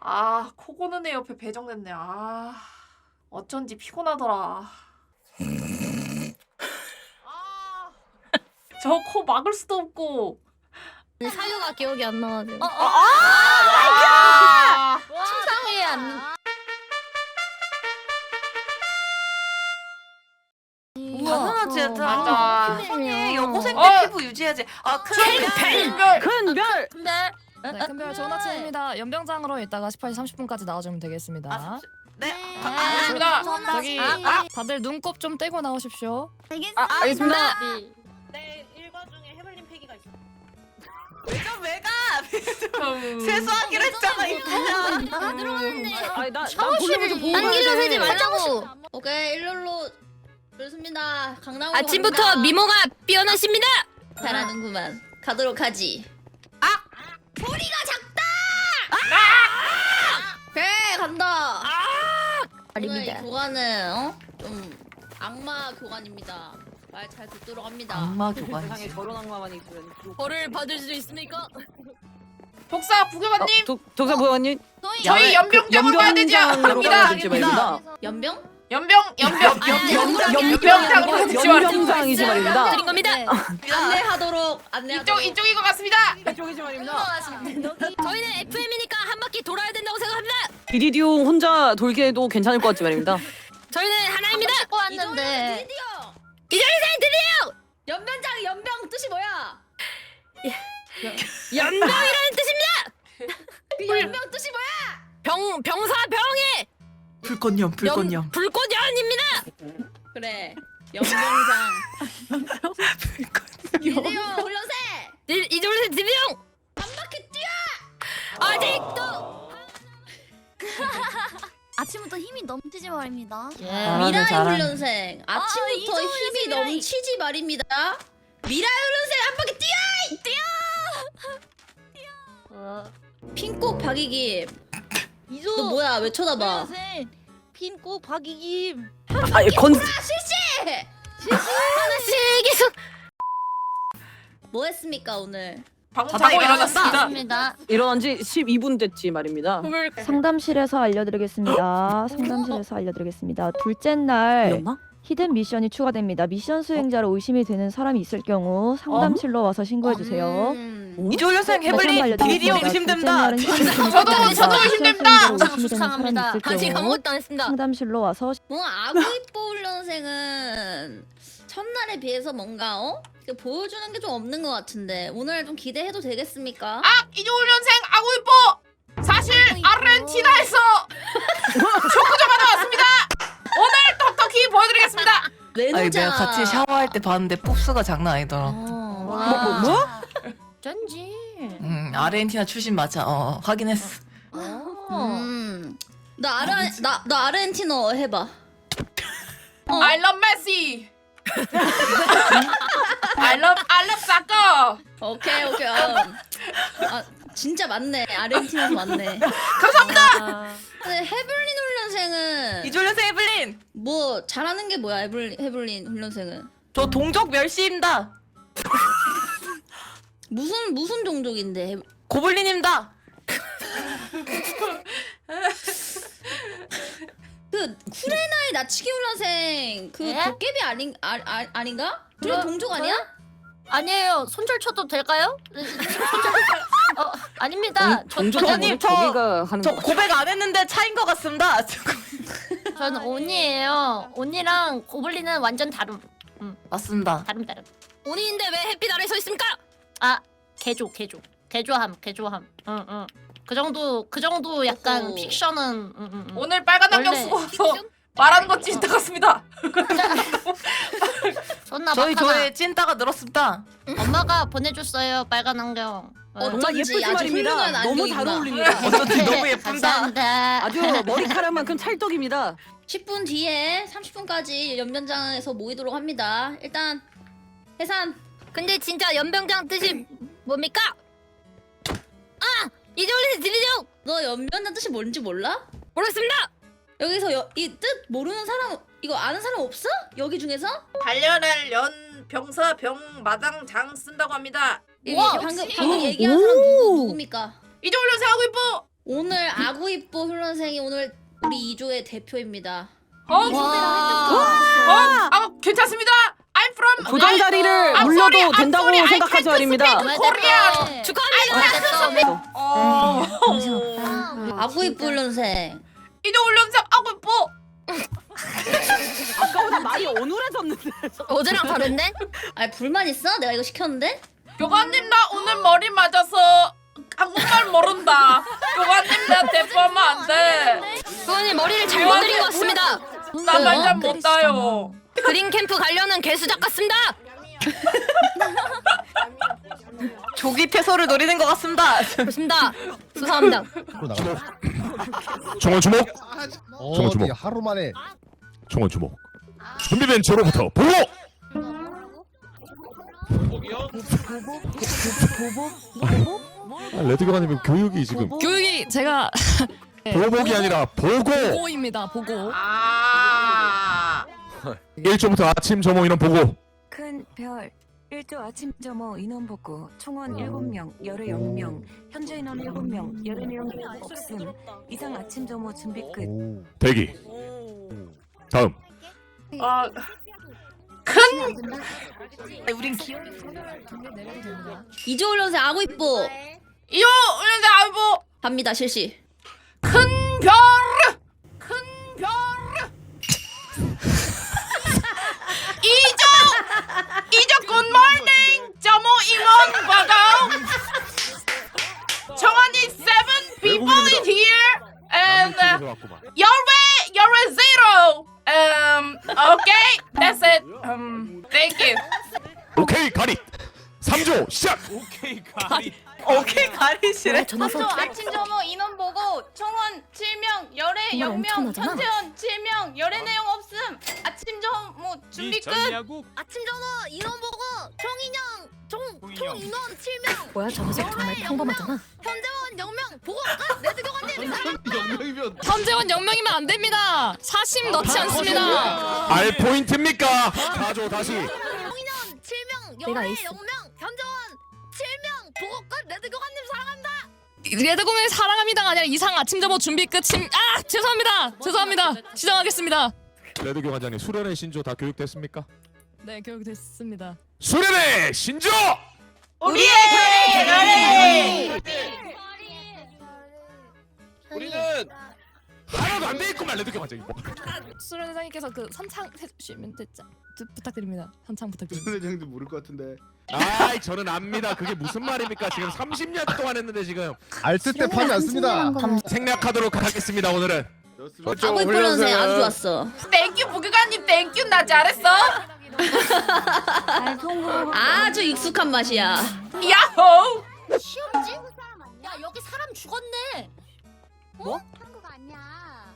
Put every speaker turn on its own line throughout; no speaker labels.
아, 코 고는 애 옆에 배정됐네. 아, 어쩐지 피곤하더라. 아, 저 코 막을 수도 없고.
사유가 기억이 안 나가지고.
아,
침상에 안.
당연하지 얘들아.
맞아.
피부니 여고생 때
어.
피부 유지해야지. 아
별.
큰별!
근데
네, 큰별 좋은 아침입니다. 연병장으로 이따가 18시 30분까지 나와주면 되겠습니다.
네.
알겠습니다.
저기 다들 눈곱 좀 떼고 나오십시오.
알겠습니다.
내 일과 중에 해블린 패기가 있어.
왜가 세수하기로 했잖아 이거.
다 들어갔네.
아니 나 볼륨을 좀 보고
안 길러
가야
세지
돼.
말라고.
오케이 일렬로 좋습니다. 강남으로
아침부터
갑니다.
미모가 뛰어나십니다.
잘하는구만. 가도록 하지. 소리가 작다. 그래 간다. 오늘 이
아닙니다.
교관은 좀 악마 교관입니다. 말 잘 듣도록 합니다.
악마
세상에
교관이지.
저런 악마만 있으면.
벌을 받을 수 있습니까?
독사 부교관님,
독사 보원님
저희 연병장으로 가야 되지 않습니다.
되지 말입니다.
연병?
연병장으로 가야 되지 말입니다.
연병장이지 말입니다.
드린 겁니다.
안내하도록 안내하도록.
이쪽인 것 같습니다.
이쪽이지 말입니다.
저희는 FM이니까 한 바퀴 돌아야 된다고 생각합니다.
비리디오 혼자 돌기에도 괜찮을 것 같지 말입니다.
저희는 하나입니다.
찍고 왔는데
이정희 선 드디어
연병 뜻이 뭐야?
연병이라는 뜻입니다.
그 연병 뜻이 뭐야?
병사 병의
불꽃염.
불꽃연입니다.
그래 연병장. 드디어 훈련세.
이정희 선 드디어
한 바퀴 뛰어.
아직도
아침부터 힘이 넘치지 말입니다.
미라의
잘하네.
훈련생 아침부터
이정현
힘이
씨 미라이.
넘치지 말입니다. 미라의 훈련생 한 바퀴 뛰어. 핀꼭 박이김. 너 뭐야 왜 쳐다봐?
핀꼭 박이김.
아니 건
실시.
하나씩 계속
뭐 했습니까 오늘?
방금 자고 일어났습니다.
맞습니다.
일어난 지 12분 됐지 말입니다.
상담실에서 알려드리겠습니다. 상담실에서 알려드리겠습니다. 둘째 날
이었나?
히든 미션이 추가됩니다. 미션 수행자로 의심이 되는 사람이 있을 경우 상담실로 와서 신고해주세요.
이조련생 해블린 비리디오 의심된다.
저도 의심됩니다.
수상합니다. 아직 아무것도 안 했습니다.
상담실로 와서
뭔가 아구이뽀 훈련생은 첫날에 비해서 뭔가 이렇게 보여주는 게 좀 없는 것 같은데 오늘 좀 기대해도 되겠습니까?
이조훈련생 아구이뽀 사실 아르헨티나에서 축구조가 나왔습니다. 오늘 톡톡히 보여드리겠습니다.
외노자.
아니 내가 같이 샤워할 때 봤는데 pop스가 장난 아니더라.
뭐? 쩐지.
아르헨티나 출신 맞아. 확인했어.
나 아르헨티너 해봐.
I love Messi. I love soccer.
오케이. 아 진짜 맞네. 아르헨티나도 맞네.
감사합니다.
근데 해블린 훈련생은
이조련생 해블린.
뭐 잘하는 게 뭐야? 해블린 훈련생은
저 동족 멸시입니다.
무슨 종족인데?
고블린입니다.
그 쿠레나의 나치기 훈련생 그
예?
도깨비 아닌가? 둘이 동족 아니야?
아니에요. 손절 쳐도 될까요? 아닙니다.
동족님,
저기가 하는
저
거.
고백 안 했는데 차인 것 같습니다.
저는 온이에요. 온이랑 고블린은 완전 다름.
맞습니다.
다름. 온이인데 왜 햇빛 아래 서 있습니까? 아, 개조함. 응. 그 정도 약간
오호.
픽션은.
오늘 빨간 안경
원래
쓰고 와서 말하는 것 찐따 같습니다.
존나
저희
막하다.
조에 찐따가 늘었습니다.
엄마가 보내줬어요 빨간 안경.
정말
어쩐지
예쁘지
아주
말입니다.
훌륭한
너무 잘
안경이구나.
어울립니다.
어쩐지 너무 예쁜다.
감사합니다.
아주 머리카락만큼 찰떡입니다.
10분 뒤에 30분까지 연변장에서 모이도록 합니다. 일단 해산.
근데 진짜 연병장 뜻이 뭡니까? 아! 이정훈 씨 드리죠!
너 연변장 뜻이 뭔지 몰라?
모르겠습니다!
여기서 이 뜻 모르는 사람 이거 아는 사람 없어? 여기 중에서?
단련할 연 병사 병 마당 장 쓴다고 합니다.
여기
우와,
방금
역시.
얘기한 사람 누굽니까?
이조훈련생 아구이뽀
오늘 아구이뽀 훈련생이 오늘 우리 2조의 대표입니다.
괜찮습니다. I'm from
조정 자리를 물려도 된다고 생각하지 말입니다.
축하합니다.
아구이뽀 훈련생.
이제 훈련생 아구이뽀.
아까보다 말이 어눌해졌는데.
어제랑 다른데?
아니 불만 있어? 내가 이거 시켰는데?
교관님 나 오늘 머리 맞아서 한국말 모른다. 교관님 나 대포하면 안 돼.
그거는 머리를 잘못 드린 것 같습니다.
나 말 잘 못 따요.
그린 캠프 가려는 개수작 같습니다.
조기 퇴소를 노리는 것 같습니다.
그렇습니다. 수사합니다.
총원 주목.
어디
주목.
하루 만에
총원 주목. 준비된 저로부터 보고. 레드 교관님 교육이 지금
교육이 제가
보복이 아니라 보고.
보고입니다. 보고.
1조부터 아침 점호 인원 보고.
큰 별 1조 아침 점호 인원 보고 총원 7명, 열애 0명, 현재 인원 7명, 열애 내용 없음. 이상 아침 점호 준비 끝.
오.
대기. 다음.
우린 기.
내려도 됩니다.
2조 훈련생 아구이뽀.
이호 훈련생 아구이뽀.
갑니다 실시.
큰 별. 이조 굿모닝 점호 임원报告. 정원이 7 people in here and you're a zero. Okay, that's it. Thank you.
오케이 가리. 3조 시작.
오케이 가리시래.
아침 점호 인원 보고 총원 7명, 열애
정말
0명,
엄청나잖아.
현재원 7명, 열애 내용 없음. 아침 점호 준비 끝.
아침 점호 인원 보고 총 인원 7명.
뭐야 저 녀석 정말 평범하잖아.
현재원 0명 보고 레드 교관님.
현재원 0명이면 안 됩니다. 사심 넣지 않습니다.
알 포인트입니까? 4조 다시.
총인원 7명,
내가
열애
에이스.
0명, 현재원 7명 보고 레드 교관님 사랑합니다.
레드 공연 사랑합니다가 아니라 이상 아침 점호 준비 끝임. 죄송합니다. 시정하겠습니다.
레드 교관장님 수련의 신조 다 교육됐습니까?
네, 교육됐습니다.
수련의 신조.
우리의 대가리.
우리는
하나도 안 돼 있구만 레드 교관장님.
수련회장님께서 그 선창 해주시면 부탁드립니다. 선창 부탁드립니다.
선생님도 모를 것 같은데
아이 저는 압니다. 그게 무슨 말입니까? 지금 30년 동안 했는데 지금
알뜰 때 파지 않습니다.
생략하도록 하겠습니다. 오늘은.
아구이뽀 훈련생 아주 좋았어.
땡큐 부교관님 땡큐 나 잘했어.
아주 익숙한 맛이야.
야호.
시험지? 야 여기 사람 죽었네. 뭐? 한국 아니야.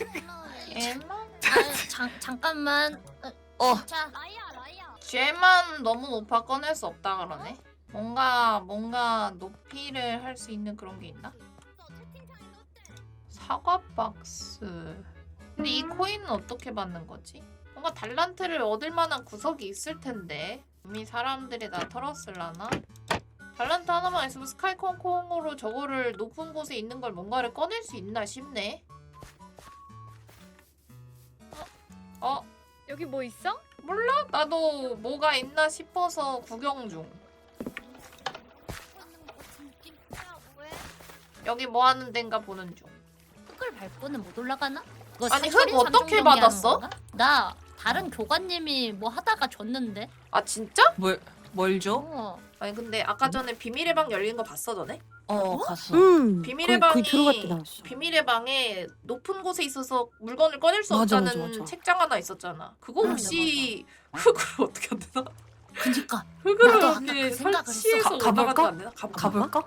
잠깐만. 자,
라이야.
쟤만 너무 높아 꺼낼 수 없다 그러네. 뭔가 높이를 할 수 있는 그런 게 있나? 사과 박스. 근데 이 코인은 어떻게 받는 거지? 뭔가 달란트를 얻을 만한 구석이 있을 텐데. 이미 사람들이 나 털었을라나? 달란트 하나만 있으면 스카이콩콩으로 저거를 높은 곳에 있는 걸 뭔가를 꺼낼 수 있나 싶네.
여기 뭐 있어?
몰라? 나도 뭐가 있나 싶어서 구경 중. 여기 뭐 하는 데인가 보는 중.
흙을 밟고는 못 올라가나? 그거
아니,
살인
흙 어떻게
삼종
받았어?
경기하는 건가? 나 다른 교관님이 뭐 하다가 줬는데.
아 진짜?
뭘 줘?
아니 근데 아까 전에 비밀의 방 열리는 거 봤어 너네?
갔어.
비밀의
거의
방이
들어갈 때 나왔어.
비밀의 방에 높은 곳에 있어서 물건을 꺼낼 수
맞아,
없다는
맞아.
책장 하나 있었잖아. 그거 혹시 흙으로 어떻게 안 되나?
그니까.
흙으로
나도 아까
이렇게
그 생각을
설치해서
했어. 가볼까?
올라가도 안 되나? 가볼까?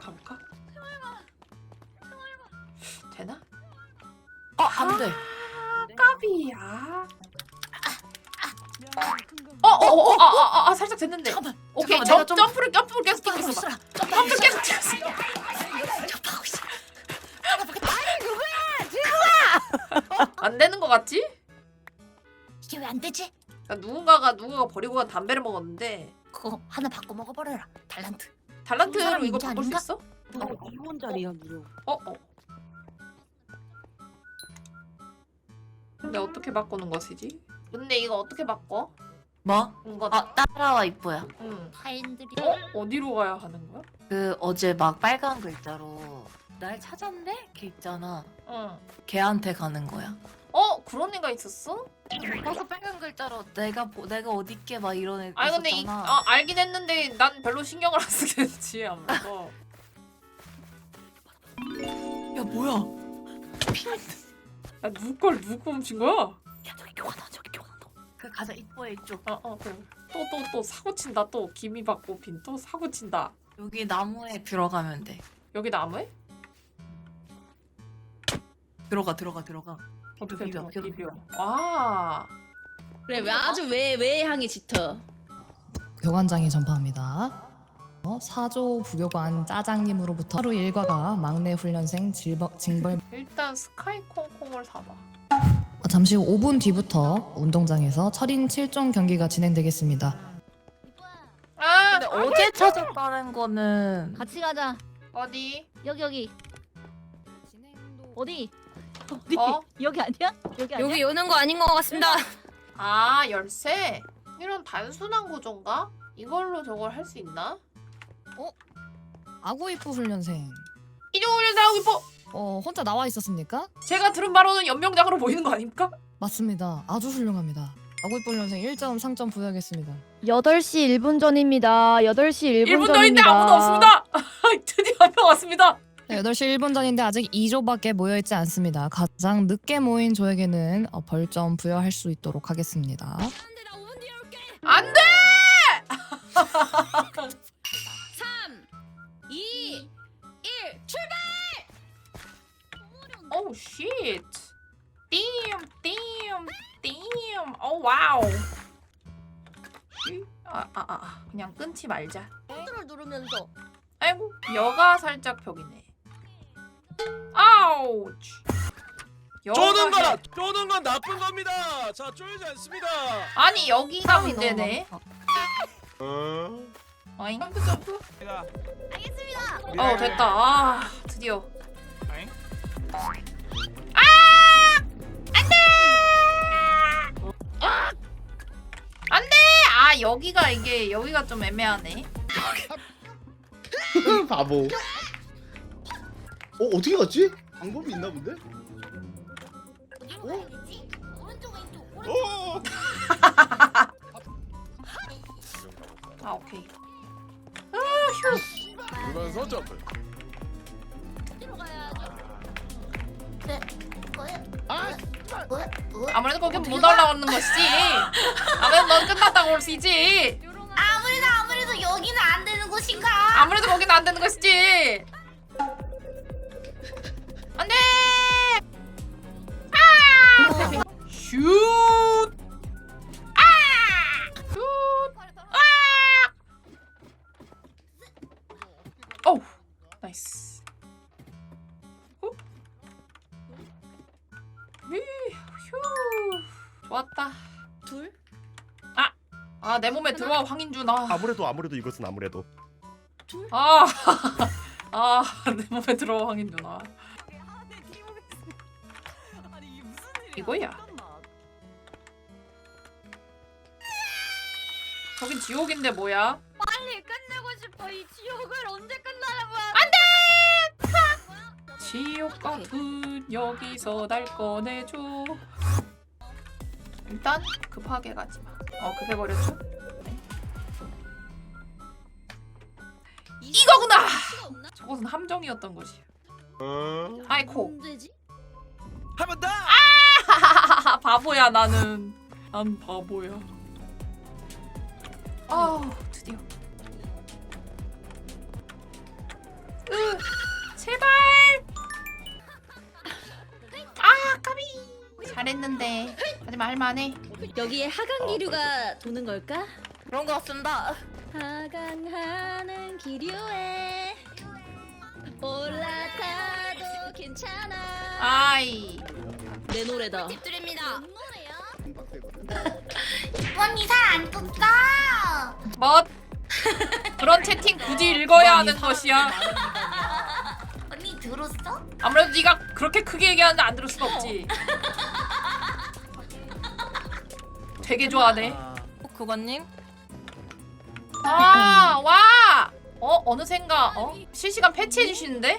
되나?
안 돼.
까비야. 살짝 됐는데.
잠깐만.
오케이
잠깐만, 내가 좀-
점프를 계속 뛰고 있어. 점프 계속 뛰고 있어.
접하고 있어.
안 되는 거 같지?
이게 왜 안 되지?
그러니까 누군가가 버리고 간 담배를 먹었는데
그거 하나 바꿔 먹어버려라. 달란트.
달란트로
사람
이거
인자
바꿀 수
아닌가?
있어?
2원 자리야 무료.
근데 어떻게 바꾸는 것이지? 근데 이거 어떻게 바꿔?
뭐?
이거
따라와 이뻐야.
응.
타인들이
어디로 가야 하는 거야?
그 어제 막 빨간 글자로 날 찾았네? 걔 있잖아.
응.
걔한테 가는 거야.
그런 애가 있었어?
거기서 빨간 글자로 내가 어딨게 막 이런 애
아니 근데
있었잖아.
알긴 했는데 난 별로 신경을 안 쓰겠지 아무래도.
야 뭐야?
야 누구 걸 누구 훔친 거야?
야 저기 교환아 저기 교환아 너. 그 가자 이뻐해 이쪽.
그래. 또 사고 친다 또 기미 받고 빈 또 사고 친다.
여기 나무에 들어가면 돼.
여기 나무에?
들어가.
어떻게
비벼,
비벼?
비벼.
와.
그래 왜 아주 왜 향이 짙어.
교관장이 전파합니다. 사조 부교관 짜장님으로부터 하루 일과가 막내 훈련생 징벌.
일단 스카이 콩콩을 사봐.
잠시 후 5분 뒤부터 운동장에서 철인 7종 경기가 진행되겠습니다.
근데 어제 찾았다는 거는
같이 가자.
어디?
여기. 어디?
여기 아니야?
여기 여는 거 아닌 것 같습니다.
열쇠? 이런 단순한 구조인가? 이걸로 저걸 할 수 있나?
아구이프 훈련생.
이종훈련 나오고 이뻐!
혼자 나와 있었습니까?
제가 들은 바로는 연명장으로 보이는 거 아닙니까?
맞습니다. 아주 훌륭합니다. 아구이프 훈련생 1점 상점 부여하겠습니다.
8시 1분 전입니다. 8시 1분
1분
전입니다.
전인데 아무도 없습니다! 드디어 한 명 왔습니다!
네, 8시 1분 전인데 아직 2조밖에 모여있지 않습니다. 가장 늦게 모인 조에게는 벌점 부여할 수 있도록 하겠습니다.
안 돼!
3, 2, 1 출발!
오 쉣. 띵. 오 와우. 그냥 끊지 말자.
컨트롤 누르면서
아이고 여가 살짝 벽이네. 아우치.
쪼는 건 나쁜 겁니다. 자 쪼이지 않습니다.
아니 여기가 문제네. 어잉? 점프.
알겠습니다.
됐다. 드디어. 안돼. 여기가 좀 애매하네.
바보. 어떻게 갔지? 방법이 있나 본데?
어디로 가야 되지? 오른쪽 왼쪽 오른쪽.
오케이.
그러면서 점프.
어디로 가야죠? 네. 뭐야?
아무래도 거긴 못 올라오는 것이지. 아무래도 넌 끝났다고 볼 수 있지.
아무래도 여기는 안 되는 곳인가?
아무래도 거기는 안 되는 것이지. 안 돼! 슛! 슛! 오! 나이스. 휴. 좋았다.
둘?
내 몸에 들어와 황인준.
아무래도 이것은 아무래도.
내 몸에 들어와 황인준. 이거야. 저긴 지옥인데 뭐야?
빨리 끝내고 싶어. 이 지옥을 언제 끝나는 거야?
지옥 같은 여기서 날 꺼내줘. 일단 급하게 가지 마. 급해버렸죠? 네. 이거구나! 저것은 함정이었던 것이야. 아이코.
문제지?
한 번 더.
바보야 나는. 난 바보야. 드디어. 제발. 까비. 잘했는데. 하지만 할만해.
여기에 하강 기류가 도는 걸까?
그런 거 같습니다.
하강하는 기류에 올라타도 괜찮아.
아이.
내 노래다.
집드립니다.
이번 이사 안 떴다.
멋. 그런 채팅 굳이 읽어야 하는 것이야.
언니 들었어?
아무래도 네가 그렇게 크게 얘기하는데 안 들을 수가 없지. 되게 좋아하네.
그거님?
아, 와! 어느샌가 실시간 패치해 주시는데?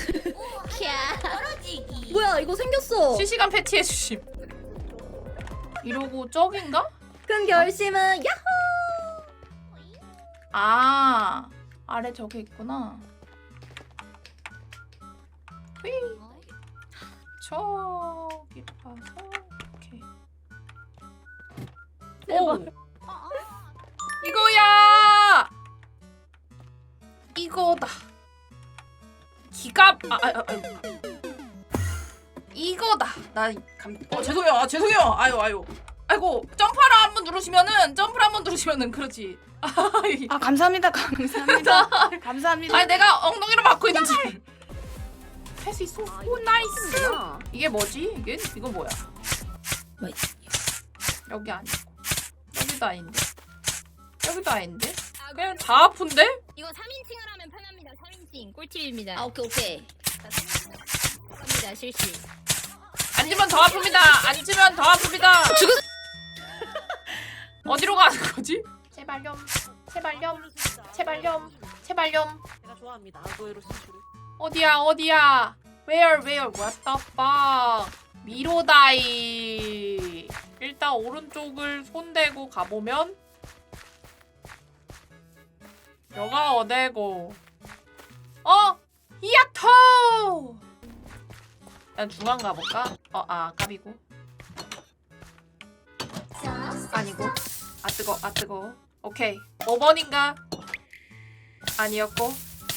뭐야 이거 생겼어.
실시간 패치해 주심. 이러고 저긴가?
큰 결심은 야호.
아, 아래 저기 있구나. 휘. 저기 봐서 오케이. 오. 이거야. 이거다. 기가 이거다. 나 죄송해요. 죄송해요. 아이고 점프를 한번 누르시면은 그렇지.
아 감사합니다. 감사합니다.
아니 내가 엉덩이로 막고 있는 줄. 할 수 있어. 오 나이스. 이게 뭐지? 이거 뭐야? 여기 아니고 여기도 아닌데 여기도 아닌데 그냥 다 아픈데?
이거 3인칭을 하면 편합니다. 3인칭 꿀팁입니다.
아 오케이.
합니다. 실시.
앉으면 더 아픕니다. 앉으면 더 아픕니다. 어디로 가는 거지? 제발렴.
제가 좋아합니다. 노예로 신출을.
어디야? Where? What the fuck? 미로다이. 일단 오른쪽을 손대고 가보면 여가 어디고? 히야토! 난 중앙 가볼까? 까비고. 아니고. 뜨거. 오케이. 5번인가? 아니었고.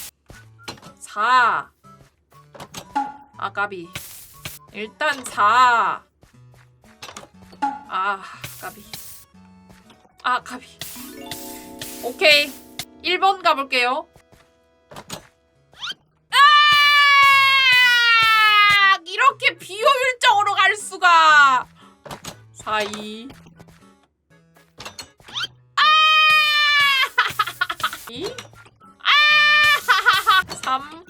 4. 까비. 일단 4. 까비. 오케이. 1번 가볼게요. 이렇게 비효율적으로 갈 수가. 4, 2. 3.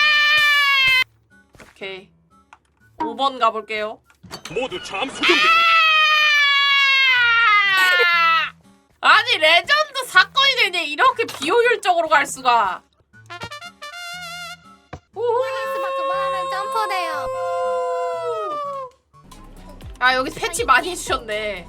오케이. 5번 가볼게요.
모두 잠수 준비.
아니 레전드 사건이 되네. 이렇게 비효율적으로 갈 수가.
그만하면 점프돼요.
여기 패치 많이 해주셨네.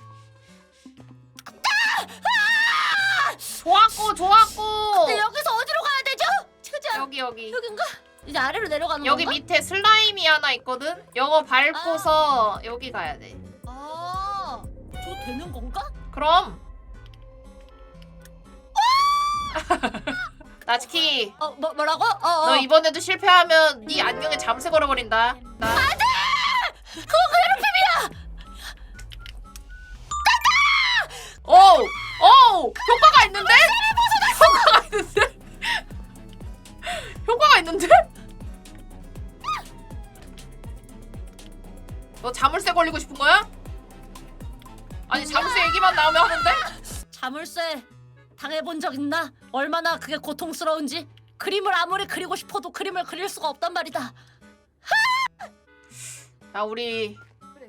좋았고.
여기서 어디로 가야 되죠? 찾아.
여기.
여긴가? 이제 아래로 내려가는
여기
건가?
밑에 슬라임이 하나 있거든? 요거 밟고서 여기 가야 돼.
저 되는 건가?
그럼. 나츠키,
뭐라고?
너 이번에도 실패하면 네 안경에 잠새 걸어버린다. 그거 괴롭힘이야! 효과가 있는데? 효과가 있는데? 너 자물쇠 걸리고 싶은 거야? 아니 자물쇠 얘기만 나오면 하는데?
자물쇠 당해본 적 있나? 얼마나 그게 고통스러운지. 그림을 아무리 그리고 싶어도 그림을 그릴 수가 없단 말이다.
자 우리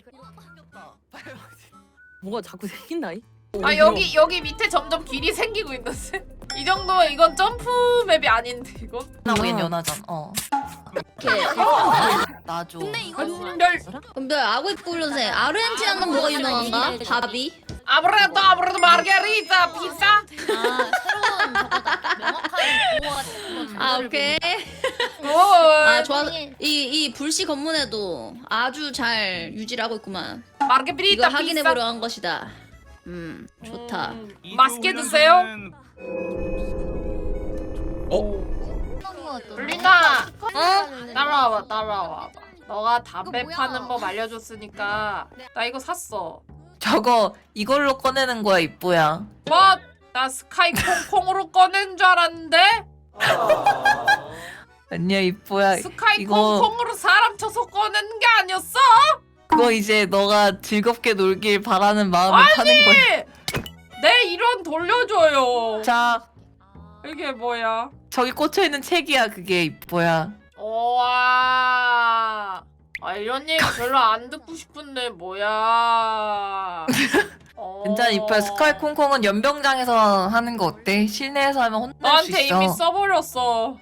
뭐가 자꾸 생긴다 이?
여기 밑에 점점 길이 생기고 있는데? 이 정도 이건 점프 맵이 아닌데 이건?
나오긴 연하잖아.
오케이.
나줘.
근데 아구이 훈련생 아르헨티나는 뭐가 유명한가? 밥이?
아무래도 마르게리타 피자?
새로운 저거다. 명확한 보호가
오케이. 좋아. 이 불씨 검문에도 아주 잘 유지를 하고 있구만.
마르게리타
이걸
피자?
확인해보려 한 것이다. 좋다.
맛있게 드세요. 블린아, 따라와봐. 너가 담배 파는 법 알려줬으니까 나 이거 샀어.
저거 이걸로 꺼내는 거야 이뻐야.
뭐? 나 스카이 콩콩으로 꺼낸 줄 알았는데?
아니야 이뻐야.
스카이
이거-
콩콩으로 사람 쳐서 꺼낸 게 아니었어?
그거 이제 너가 즐겁게 놀길 바라는 마음을 파는 거야.
내 일원 돌려줘요.
자
이게 뭐야?
저기 꽂혀 있는 책이야 그게 이뻐야.
와. 아 이런 얘기 별로 안 듣고 싶은데 뭐야.
괜찮아 이뻐. 스카이 콩콩은 연병장에서 하는 거 어때? 실내에서 하면 혼날 수
나한테
있어.
이미 써버렸어.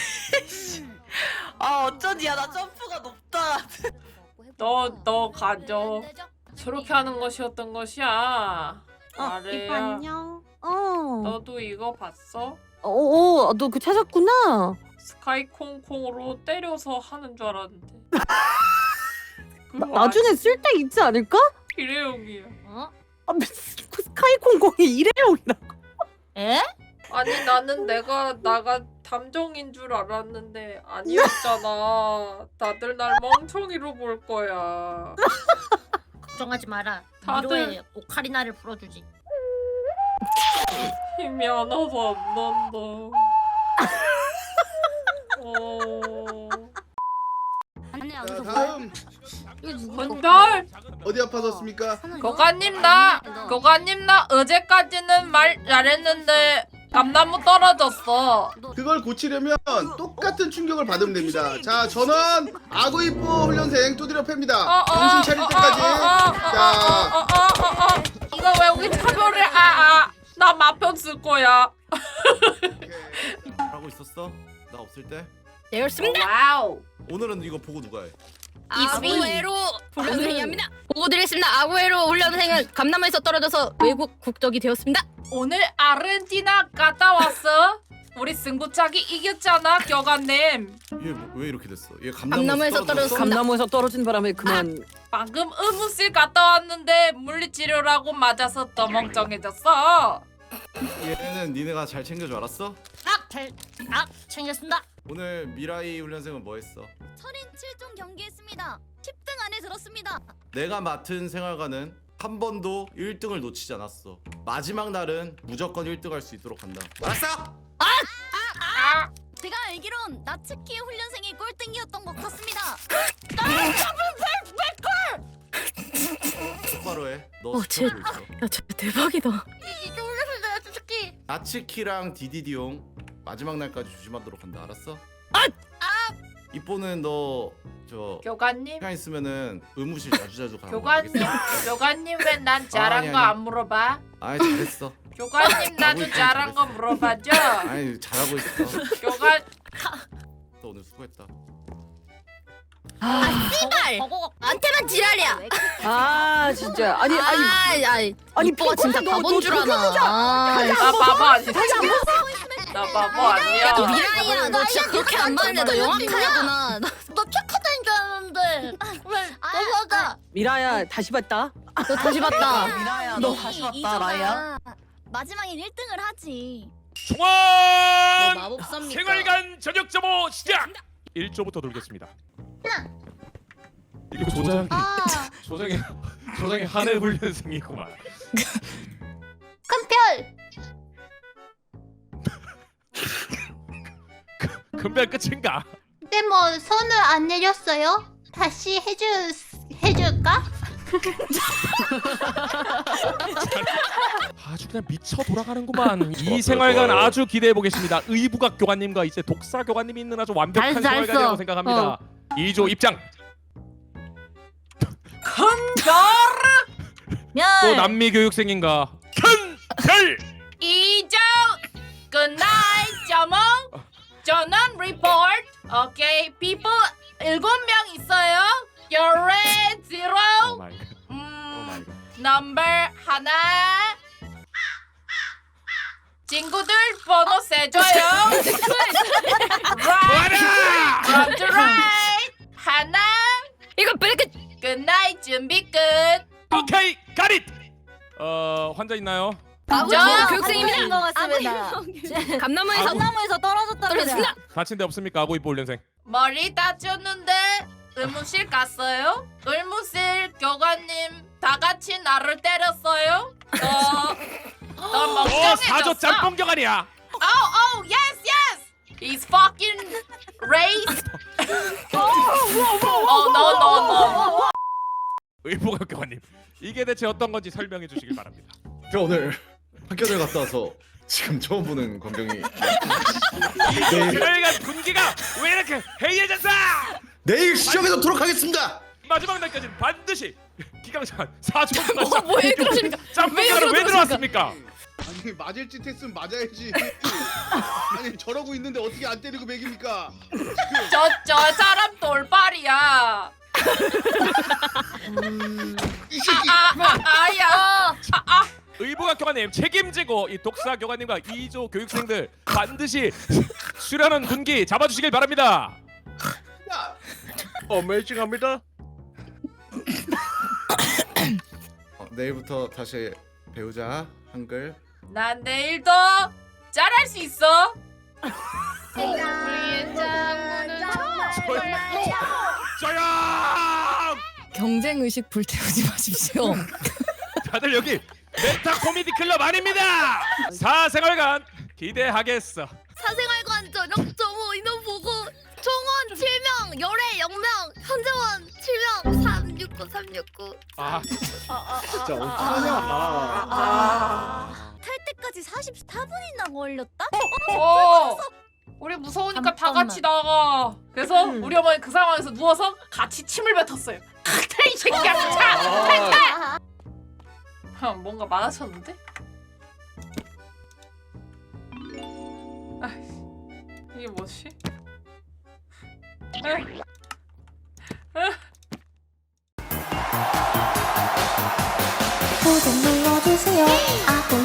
아 어쩌지? 야 나 점프가 높다.
너 가져. 저렇게 하는 것이었던 것이야. 아래야.
안녕.
너도 이거 봤어?
너 그 찾았구나.
스카이 콩콩으로 때려서 하는 줄 알았는데. 그거
나중에 쓸 때 있지 않을까?
일회용이야.
스카이콩콩이 일회용이다.
에?
아니 나는 내가 담정인 줄 알았는데 아니었잖아. 다들 날 멍청이로 볼 거야.
걱정하지 마라.
다들-
미로의 오카리나를 불어주지.
힘이 하나도 안 난다.
자, 다음
건달!
어디 아파졌습니까?
교관님 나 어제까지는 말 잘했는데 감나무 떨어졌어.
그걸 고치려면 똑같은 충격을 받으면 됩니다. 자, 전원 아구이뽀 훈련생 두드려 팹니다. 정신 차릴 때까지. 자,
이거 왜 우리 차별을 나 마편 쓸 거야.
하고 있었어? 나 없을 때?
되었습니다.
와우.
오늘은 이거 보고 누가 해?
아구에로 훈련생입니다. 보고 드리겠습니다. 아구에로 훈련생은 감나무에서 떨어져서 외국 국적이 되었습니다.
오늘 아르헨티나 갔다 왔어. 우리 승부차기 이겼잖아, 교관님.
얘 왜 이렇게 됐어? 얘
감나무에서 떨어졌어.
감나무에서 떨어진 바람에 그만.
방금 의무실 갔다 왔는데 물리치료라고 맞아서 더 멍청해졌어.
얘는 니네가 잘 챙겨줘 알았어?
챙겼습니다.
오늘 미라이 훈련생은 뭐 했어?
철인 7종 경기했습니다. 10등 안에 들었습니다.
내가 맡은 생활관은 한 번도 1등을 놓치지 않았어. 마지막 날은 무조건 1등 할 수 있도록 한다. 알았어?
제가 알기론 나츠키 훈련생이 꼴등이었던 것 같습니다.
똑바로 해. 너
쟤-
스톱을 있어.
야, 진짜 대박이다.
이게 훈련생들 나츠키.
나츠키랑 디디디용 마지막 날까지 조심하도록 한다. 알았어? 이뽀는 너 저
교관님,
시간 있으면은 의무실 자주 가는 거
교관님,
알겠어?
교관님 왜 난 잘한
아니,
거
아니.
안 물어봐?
아이 잘했어.
교관님 나도
있어,
잘한 거 물어봐줘.
아이 잘하고 있어.
교관
너 오늘 수고했다.
씨발! 나한테만 지랄이야.
진짜. 아니
이뻐가 진짜
너
바본 줄 아나.
나 바보 아니야. 나 바보 아니야.
미라이야, 너 진짜 그렇게 안 봤는데 너 영악하구나.
너 착하다는 줄 알았는데 왜 너가
미라야 다시 봤다.
너 다시 봤다.
미라야 너 다시 봤다 라이야.
마지막엔 1등을 하지.
총알
마법사입니까?
생활관 저녁 점호 시작. 1조부터 돌겠습니다. 이거 조장이 하늘 훈련생이구만.
큰별.
금별 끝인가?
근데 뭐 손을 안 내렸어요? 다시 해줄까?
아주 그냥 미쳐 돌아가는구만. 이 생활관 아주 기대해 보겠습니다. 의부각 교관님과 이제 독사 교관님이 있는 아주 완벽한
잘했어.
생활관이라고 생각합니다. 2조 입장. 또 남미 교육생인가? 큰별.
이정 끝나이 점ong 전원 리포트. 오케이 people 7명 있어요. You're red zero.
오 마이 갓. 오 마이 갓.
넘버 하나. 친구들 번호 세줘요. right, left to right. 하나.
이거 브레이크.
끝나이 준비 끝.
오케이, 가릿. 환자 있나요?
아구에로 교육생입니다.
것 같습니다.
감나무에서 떨어졌습니다.
다친 데 없습니까? 아고이뽀 훈련생.
머리 다쳤는데 의무실 갔어요? 의무실 교관님 다 같이 나를 때렸어요? 너 멍청해졌어.
4조 짬뽕 교관이야.
Oh, yes, yes. He's fucking race. no.
의부각 교관님. 이게 대체 어떤 건지 설명해 주시길 바랍니다.
저 오늘 학교를 갔다 와서 지금 처음 보는 광경이.
생활관 분위기가 왜 이렇게 해이해졌어? 내일 시정해 놓도록 하겠습니다.
마지막 날까지는 반드시 기강찬 4조
뭐왜 그러십니까?
짬뽕가루 왜 들어왔습니까?
아니 맞을 짓 했으면 맞아야지. 아니 저러고 있는데 어떻게 안 때리고 매깁니까?
저 사람 돌발이야.
이 새끼.
아야.
의무관 교관님 책임지고 이 독사 교관님과 2조 교육생들 반드시 수련원 군기 잡아주시길 바랍니다.
야.
어메이징합니다.
내일부터 다시 배우자 한글.
난 내일도 잘할 수 있어. 우리의 짱구는
조용!
경쟁 의식 불태우지 마십시오.
다들 여기 메타 코미디 클럽 아닙니다. 사생활관 기대하겠어.
사생활관 저녁 점호 인원 보고 총원 7명, 열애 0명, 현재원 7명, 369.
아,
진짜 어떡하냐.
탈 때까지 44분이나 걸렸다?
우리 무서우니까 다 같이 나가. 그래서 우리 어머니 그 상황에서 누워서 같이 침을 뱉었어요. 이 새끼야, 탈! 뭔가 많아졌는데? 이게 뭐지?
구독 눌러주세요. 아구